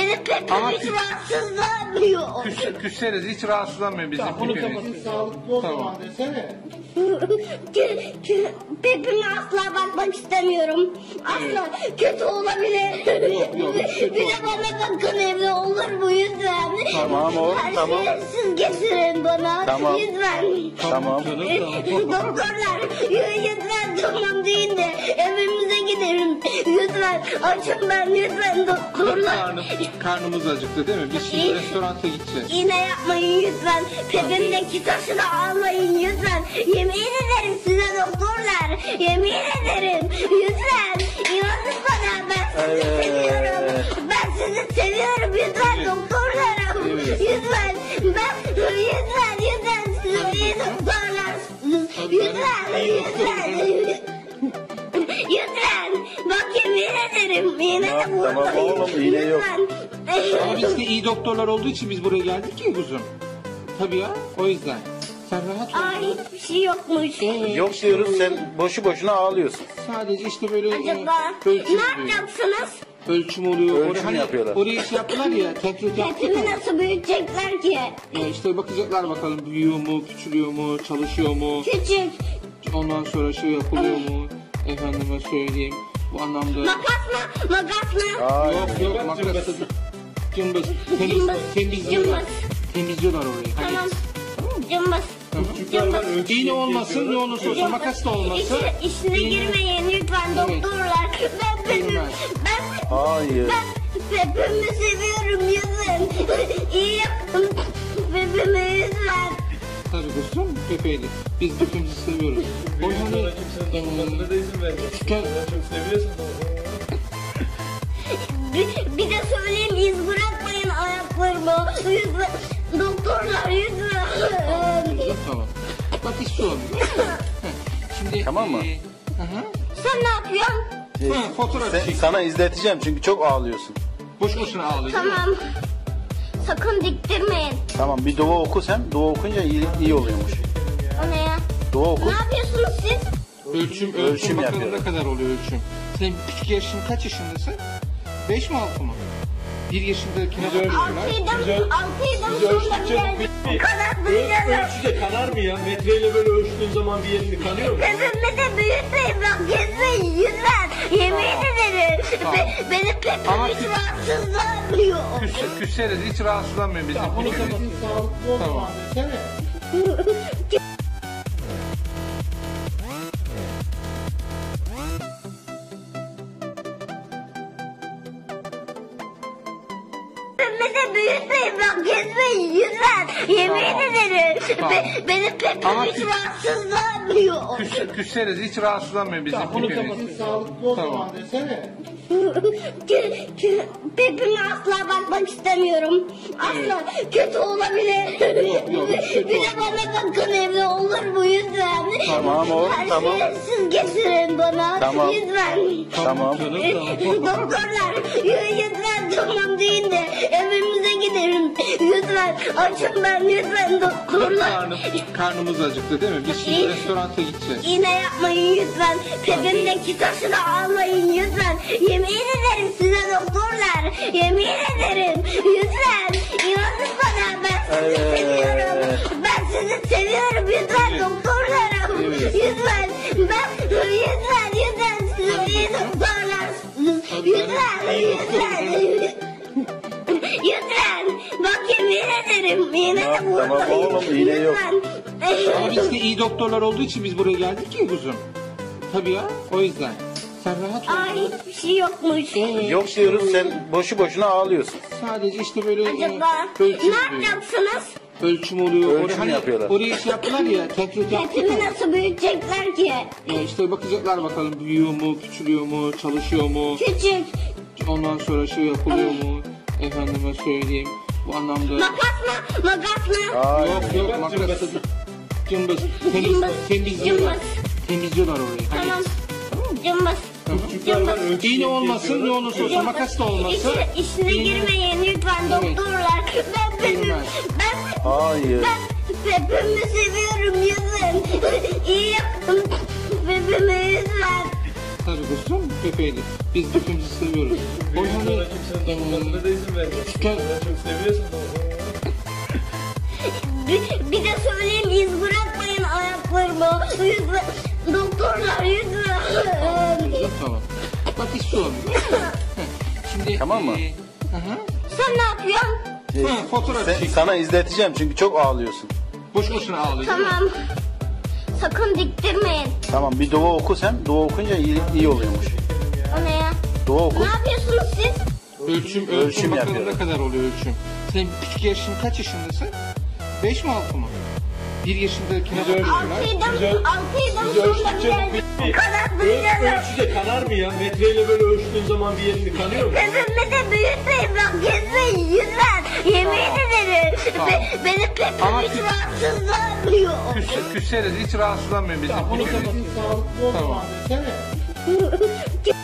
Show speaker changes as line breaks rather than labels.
Benim pepim
Ama
hiç rahatsızlanmıyor.
Küsseriz, hiç rahatsızlanmıyor bizim
Bunu
pipimiz.
kapatın, sağlıklı o
Tamam.
zaman desene.
Pepime asla bakmak istemiyorum. Asla kötü olabilir.
Yok,
Bir de bana bakın evde olur mu lütfen?
Tamam oğlum,
Her
tamam.
şeyi siz getirin bana.
Tamam.
Lütfen.
Tamam.
Doktorlar lütfen tamam deyin de evimize gidelim. Lütfen açın ben lütfen doktorlar.
Karnımız acıktı değil mi? Biz şimdi restoranta gideceğiz.
Yine yapmayın lütfen. Pepimdeki taşı da almayın lütfen. Yemin ederim size doktorlar. Yemin ederim. Lütfen. İnanın bana ben sizi seviyorum. Ben sizi seviyorum lütfen doktorlarım. Lütfen. Lütfen siz iyi doktorlarsınız. Lütfen. Bak yemin ederim. Yine de
Tamam
buradayım.
oğlum, iğne yok.
Ama biz de iyi doktorlar olduğu için biz buraya geldik ya kuzum. Tabii ya, o yüzden. Sen rahat ol.
Ay hiçbir şey yokmuş.
Yok diyoruz, sen boşu boşuna ağlıyorsun.
Sadece işte böyle
Acaba
ölçüm
ne
oluyor.
yapacaksınız?
Ölçüm oluyor.
Ölçüm
Oraya,
yapıyorlar.
Oraya şey yaptılar ya, tekrar yaptılar.
Hepimi nasıl büyütecekler ki?
İşte bakacaklar bakalım büyüyor mu, küçülüyor mu, çalışıyor mu.
Küçük.
Ondan sonra şey yapılıyor mu? Efendime söyleyeyim. Bu anlamda...
Makas mı?
Ay.
Yok makas. Cımbız.
Cımbız.
Temizliyorlar. Temizliyorlar orayı. Hadi.
Tamam. Cımbız.
Cımbız. İğne olmasın, ne olursa olsun, makas da olmasın.
İçine
İğne-
girmeyin lütfen doktorlar.
Girmez.
Hayır.
Ben Pepimi seviyorum lütfen. İyi yapın. Pepimi lütfen.
Tabii kuzum, Pepe'ydi. Biz hepimizi seviyoruz. O hani...
Bana da izin ver.
Gel.
Bana çok seviyorsun.
Bir de söyleyeyim iz bırakmayın ayaklarımı. Lütfen. Doktorlar lütfen.
Tamam. Bak hiç şey olmuyor. Heh, Şimdi...
Tamam mı?
Hı.
Sen ne yapıyorsun?
Ha, fotoğraf çek.
Sana izleteceğim çünkü çok ağlıyorsun.
Boş boşuna ağlıyor.
Tamam. Sakın diktirmeyin.
Tamam, bir dua oku sen. Dua okunca iyi oluyormuş.
O ne ya?
Dua oku.
Ne yapıyorsunuz siz?
Ölçüm bakalım
yapıyorum.
ne kadar oluyor ölçüm. Senin küçük yaşın kaç yaşındasın? 5 mi 6 mı? 1 yaşındakine ölçüyorlar.
Altıydım sonra bir kadar büyüyorum.
Ölçüde kanar mı ya? Metreyle böyle ölçtüğün zaman bir yerini kanıyor mu?
Pepimi de büyütmeyin bak gezmeyin lütfen. Yemin ederim. Benim pepim
Ama
hiç
siz-
rahatsızlanmıyor.
Küsseriz, hiç rahatsızlanmıyor bizim
Bunu
pipimiz.
kapatın, sağlıklı o
Tamam.
zaman desene.
Pepimi de büyütmeyin bak gezmeyin lütfen. Yemin ederim. Benim pepim
Ama
hiç
siz-
rahatsızlanmıyor.
Küsseriz, hiç rahatsızlanmıyor bizim
Bunu
pipimiz.
kapatın, sağlıklı o
Tamam.
zaman desene.
Pepime asla bakmak istemiyorum. Asla kötü olabilir.
Yok,
Bir de bana bakın evde olur mu lütfen?
Tamam oğlum,
Her
tamam.
şeyi siz getirin bana.
Tamam.
Lütfen.
Tamam.
Doktorlar lütfen tamam deyin de evimize gidelim. Lütfen açın ben lütfen doktorlar.
Karnımız acıktı değil mi? Biz şimdi restoranta gideceğiz.
Yine yapmayın lütfen. Pepimdeki taşı da almayın lütfen. Yemin ederim size doktorlar. Yemin ederim. Lütfen. İnanın bana ben sizi seviyorum. Ben sizi seviyorum lütfen doktorlarım. Lütfen. Lütfen siz iyi doktorlarsınız. Lütfen. Bak yemin ederim. Yine de
Tamam
buradayım.
oğlum, iğne yok.
Ama biz de iyi doktorlar olduğu için biz buraya geldik ya kuzum. Tabii ya, o yüzden. Sen rahat ol.
Ay hiçbir şey yokmuş.
Yok diyoruz, sen boşu boşuna ağlıyorsun.
Sadece işte böyle
Acaba
ölçüm
ne
oluyor.
yapacaksınız?
Ölçüm oluyor.
Ölçüm
Oraya,
yapıyorlar.
Oraya şey yaptılar ya, tekrar
Hepimi
yaptılar.
nasıl büyütecekler ki?
İşte bakacaklar bakalım büyüyor mu, küçülüyor mu, çalışıyor mu.
Küçük.
Ondan sonra şey yapılıyor mu? Efendime söyleyeyim. Bu anlamda...
Makas mı?
Ay.
Yok makas. Cımbız.
Cımbız.
Temizliyorlar. Temizliyorlar orayı. Hadi.
Tamam. Cımbız.
Tamam. İğne olmasın, ne olursa olsun, makas da olmasın.
İçine girmeyin lütfen doktorlar.
Girmez.
Hayır.
Ben Pepimi seviyorum lütfen. İyi yapın. Pepimi lütfen.
Tabii kustum Pepe'ydi. Biz birbirimizi seviyoruz. O
Büyük
hani
sana kimsenin dokunmasına da izin vermez. Sen çok seviyorsun da.
Bir de söyleyeyim, iz bırakmayın ayaklarımı. Lütfen. Doktorlar lütfen.
tamam. Bak hiç sorun yok. Şimdi
Tamam mı?
Hı.
Sen ne yapıyorsun?
Ha, fotoğraf çek.
Sana izleteceğim çünkü çok ağlıyorsun.
Boş boşuna ağlıyorsun.
Tamam. Sakın diktirmeyin.
Tamam bir dua oku sen. Dua okunca iyi oluyormuş.
O ne ya?
Dua oku.
Ne yapıyorsunuz siz?
Ölçüm bakalım
yapıyorum.
ne kadar oluyor ölçüm. Sen küçük yaşın kaç yaşındasın? 5 mi 6 mı? 1 yaşındakine de ölçüyorlar.
6'ydım
Biz
sonra
ölçtükçe
bir kanatlayacağım.
ölçüde kanar mı ya? Metreyle böyle ölçtüğün zaman bir yerini kanıyor mu?
Pepimi de büyütmeyin bak, kesmeyin lütfen. Yemin ederim.
Tamam.
Benim
Ama
pepim hiç rahatsızlanmıyor.
Küsseniz hiç rahatsızlanmayın bizim.
Sağlıklı olsun
Tamam.
abi. Sene.